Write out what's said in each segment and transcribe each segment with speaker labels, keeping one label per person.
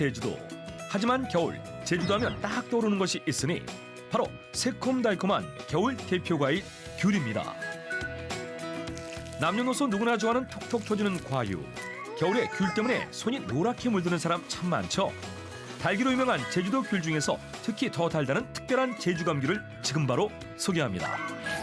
Speaker 1: 제주도. 하지만 겨울, 제주도 하면 딱 떠오르는 것이 있으니 바로 새콤달콤한 겨울 대표 과일 귤입니다. 남녀노소 누구나 좋아하는 톡톡 터지는 과육. 겨울에 귤 때문에 손이 노랗게 물드는 사람 참 많죠. 달기로 유명한 제주도 귤 중에서 특히 더 달다는 특별한 제주감 귤을 지금 바로 소개합니다.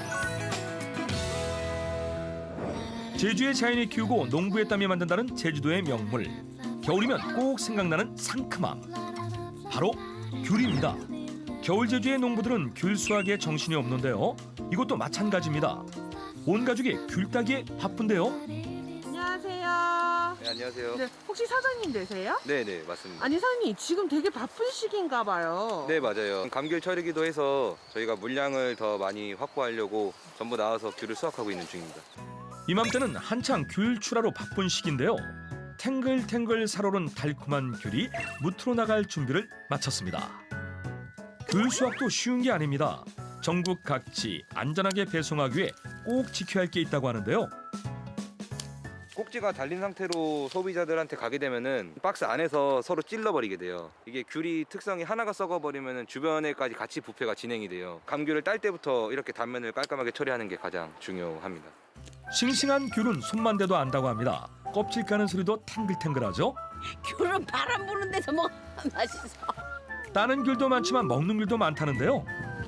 Speaker 1: 제주의 자연이 키우고 농부의 땀이 만든다는 제주도의 명물. 겨울이면 꼭 생각나는 상큼함. 바로 귤입니다. 겨울 제주의 농부들은 귤 수확에 정신이 없는데요. 이것도 마찬가지입니다. 온 가족이 귤 따기에 바쁜데요.
Speaker 2: 안녕하세요.
Speaker 3: 네, 안녕하세요.
Speaker 2: 네, 혹시 사장님 되세요?
Speaker 3: 네, 맞습니다.
Speaker 2: 아니 사장님 지금 되게 바쁜 시기인가 봐요.
Speaker 3: 네, 맞아요. 감귤 철이기도 해서 저희가 물량을 더 많이 확보하려고 전부 나와서 귤을 수확하고 있는 중입니다.
Speaker 1: 이맘때는 한창 귤 출하로 바쁜 시기인데요. 탱글탱글 살오른 달콤한 귤이 무트로 나갈 준비를 마쳤습니다. 귤 수확도 쉬운 게 아닙니다. 전국 각지 안전하게 배송하기 위해 꼭 지켜야 할 게 있다고 하는데요.
Speaker 3: 꼭지가 달린 상태로 소비자들한테 가게 되면은 박스 안에서 서로 찔러버리게 돼요. 이게 귤이 특성이 하나가 썩어버리면은 주변에까지 같이 부패가 진행이 돼요. 감귤을 딸 때부터 이렇게 단면을 깔끔하게 처리하는 게 가장 중요합니다.
Speaker 1: 싱싱한 귤은 손만 대도 안다고 합니다. 껍질 까는 소리도 탱글탱글하죠.
Speaker 4: 귤은 바람 부는 데서 먹으면 맛있어.
Speaker 1: 따는 귤도 많지만 먹는 귤도 많다는데요.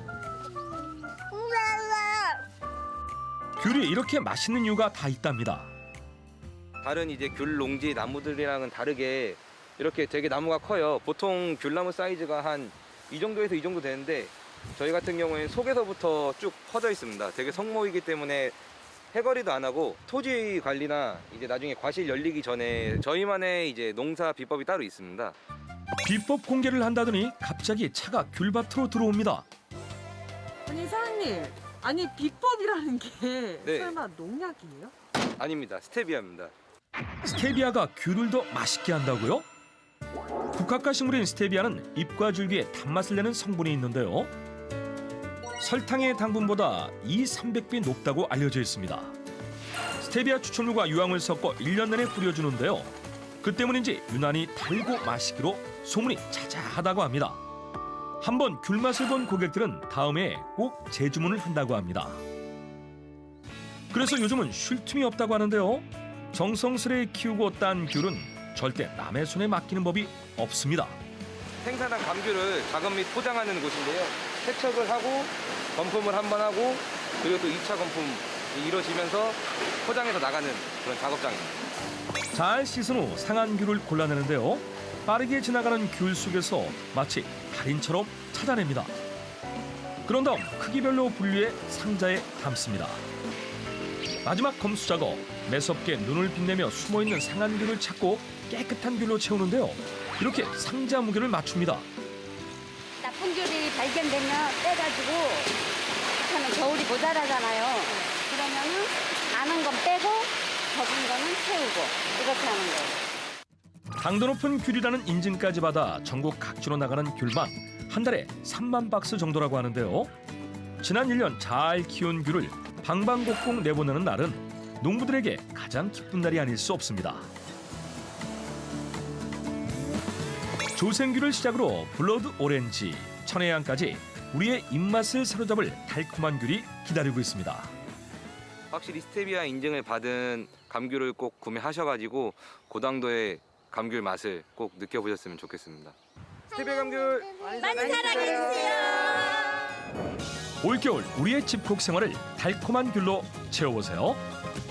Speaker 1: 귤이 이렇게 맛있는 이유가 다 있답니다.
Speaker 3: 다른 이제 귤 농지 나무들이랑은 다르게 이렇게 되게 나무가 커요. 보통 귤나무 사이즈가 한 이 정도에서 이 정도 되는데 저희 같은 경우에는 속에서부터 쭉 퍼져 있습니다. 되게 성모이기 때문에 해거리도 안 하고 토지 관리나 이제 나중에 과실 열리기 전에 저희만의 이제 농사 비법이 따로 있습니다.
Speaker 1: 비법 공개를 한다더니 갑자기 차가 귤밭으로 들어옵니다.
Speaker 2: 아니 사장님, 아니 비법이라는 게
Speaker 3: 네.
Speaker 2: 설마 농약이에요?
Speaker 3: 아닙니다. 스테비아입니다.
Speaker 1: 스테비아가 귤을 더 맛있게 한다고요? 국화과 식물인 스테비아는 잎과 줄기에 단맛을 내는 성분이 있는데요. 설탕의 당분보다 300배 높다고 알려져 있습니다. 스테비아 추출물과 유황을 섞어 1년 내내 뿌려주는데요. 그 때문인지 유난히 달고 맛있기로 소문이 자자하다고 합니다. 한번 귤맛을 본 고객들은 다음에 꼭 재주문을 한다고 합니다. 그래서 요즘은 쉴 틈이 없다고 하는데요. 정성스레 키우고 딴 귤은 절대 남의 손에 맡기는 법이 없습니다.
Speaker 3: 생산한 감귤을 작업 및 포장하는 곳인데요. 세척을 하고 건품을 한 번 하고 그리고 또 2차 건품이 이루어지면서 포장해서 나가는 그런 작업장입니다.
Speaker 1: 잘 씻은 후 상한 귤을 골라내는데요. 빠르게 지나가는 귤 속에서 마치 달인처럼 찾아냅니다. 그런 다음 크기별로 분류해 상자에 담습니다. 마지막 검수 작업, 매섭게 눈을 빛내며 숨어있는 상한 귤을 찾고 깨끗한 귤로 채우는데요. 이렇게 상자 무게를 맞춥니다.
Speaker 4: 나쁜 귤이 발견되면 빼가지고 하면 겨울이 모자라잖아요. 그러면은 많은 건 빼고 적은 거는 채우고 이렇게 하는 거예요.
Speaker 1: 당도 높은 귤이라는 인증까지 받아 전국 각지로 나가는 귤만 한 달에 3만 박스 정도라고 하는데요. 지난 1년 잘 키운 귤을 방방곡곡 내보내는 날은 농부들에게 가장 기쁜 날이 아닐 수 없습니다. 조생귤을 시작으로 블러드 오렌지, 천혜향까지 우리의 입맛을 사로잡을 달콤한 귤이 기다리고 있습니다.
Speaker 3: 확실히 스테비아 인증을 받은 감귤을 꼭 구매하셔가지고 고당도의 감귤 맛을 꼭 느껴보셨으면 좋겠습니다. 스테비아 감귤
Speaker 4: 많이 사랑해주세요.
Speaker 1: 올겨울 우리의 집콕 생활을 달콤한 귤로 채워보세요.